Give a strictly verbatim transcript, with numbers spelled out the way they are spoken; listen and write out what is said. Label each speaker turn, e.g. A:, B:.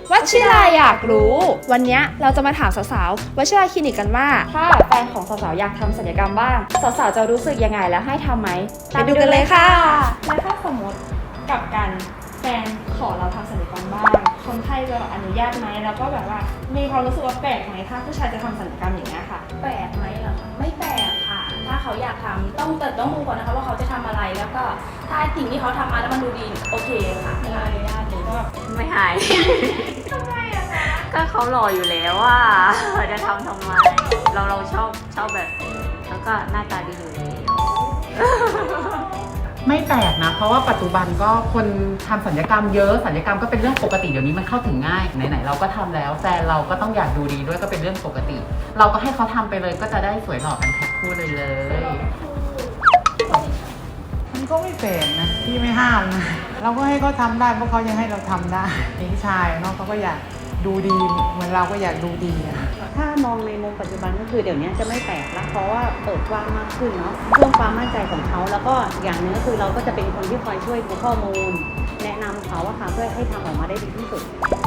A: วัชิราอยากรู้วันนี้เราจะมาถามสาวๆวัชิราคลินิกกันว่าถ้าแฟนของสาวๆอยากทำศัลยกรรมบ้างสาวๆจะรู้สึกยังไงและให้ทำไหมไปดูกันเลยค่ะแล้วถ้าสมมติกับกันแฟนขอเราทำศัลยกรรมบ้างคนไข้จะอนุญาตไหมแล้วก็แบบว่ามีความรู้สึกว่าแปลกไหมถ้าผู้ชายจะทำศัลยกรรมอย่างนี้ยค่ะ
B: แปลกไหมเหรอคะไม่แปลกค่ะ ถ้าเขาอยากทำต้องแต่ต้องดูก่อนนะคะว่าเขาจะทำอะไรแล้วก็ถ้าสิ่งที่เขาทำมาแล้วมันดูดีโอเคค่ะไม่อนุญาตเลยก็
C: ไม่หาย
B: ทำไมอะคะ
C: ก็เขาหล่ออยู่แล้วว่าจะทำทำไม เราเราชอบชอบแบบนี้แล้วก็หน้าตาดีอยู่แล้ว
D: ไม่แปลกนะเพราะว่าปัจจุบันก็คนทำศัลยกรรมเยอะศัลยกรรมก็เป็นเรื่องปกติเดี๋ยวนี้มันเข้าถึงง่ายไหนๆเราก็ทำแล้วแฟนเราก็ต้องอยากดูดีด้วยก็เป็นเรื่องปกติ เราก็ให้เขาทำไปเลยก็จะได้สวยหล่อกันแพ็คคู่เลยเลย
E: มันก็ไม่แปลกนะพี่ไม่ห้ามนะเราก็ให้เขาทำได้เพราะเขายังให้เราทำได้พี่ชายเนาะเขาก็อยากดูดีเหมือนเราก็อยากดูดีอะ
F: ถ้ามองในมุมปัจจุบันก็คือเดี๋ยวนี้จะไม่แปลกแล้วเพราะว่าเปิดกว้างมากขึ้นเนาะเพิ่มความมั่นใจของเขาแล้วก็อย่างหนึงก็คือเราก็จะเป็นคนที่คอยช่วยดูข้อมูล แนะนำเขาอะค่ะเพื่อให้ทำออกมาได้ดีที่สุด